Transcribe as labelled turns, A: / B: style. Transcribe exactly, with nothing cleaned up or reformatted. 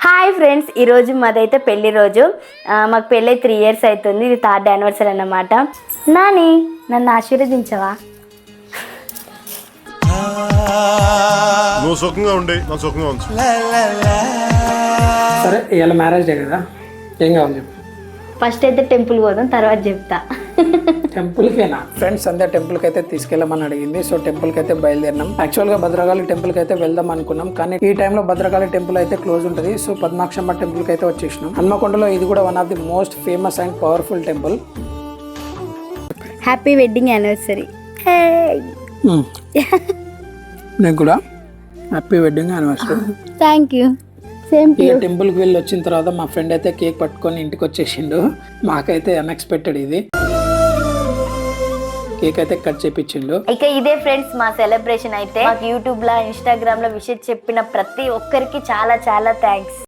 A: Hi friends, ఈరోజు మాదైతే పెళ్లి రోజు. మాకు పెళ్ళి త్రీ ఇయర్స్ అవుతుంది. ఇది థర్డ్ యానివర్సరీ అన్నమాట. నాని, నన్ను ఆశీర్వదించవా?
B: నువ్వు సుఖంగా ఉండే నా సుఖంగా ఉంచు.
C: సరే, ఇవాళ మ్యారేజ్ డే కదా, ఏం కావాలి చెప్పు.
A: ఫస్ట్ అయితే టెంపుల్ పోదాం, తర్వాత చెప్తా.
C: టెంపుల్కేనా? ఫ్రెండ్స్ అందరు టెంపుల్కి అయితే తీసుకెళ్ళమని అడిగింది. సో టెంపుల్కి అయితే బయలుదేరినాం. యాక్చువల్గా భద్రకాళి టెంపుల్కి అయితే వెళ్దాం అనుకున్నాం, కానీ ఈ టైంలో భద్రకాళి టెంపుల్ అయితే క్లోజ్ ఉంటుంది. సో పద్మాక్షమ్మ టెంపుల్కి అయితే వచ్చేసినాం. హన్మకొండలో ఇది కూడా one of the most famous and powerful temple.
A: Happy wedding anniversary.
C: నేను కూడా happy wedding anniversary.
A: Thank you. Same to you.
C: టెంపుల్కి వెళ్ళి వచ్చిన తర్వాత మా ఫ్రెండ్ అయితే కేక్ పట్టుకొని ఇంటికి వచ్చేసిండు. మాకైతే అన్ఎక్స్పెక్టెడ్ ఇది. కేక్ అయితే కట్ చేపించిండు.
A: ఇక ఇదే ఫ్రెండ్స్ మా సెలబ్రేషన్ అయితే. మాకు యూట్యూబ్ లో, ఇన్స్టాగ్రామ్ లో విషయం చెప్పిన ప్రతి ఒక్కరికి చాలా చాలా థ్యాంక్స్.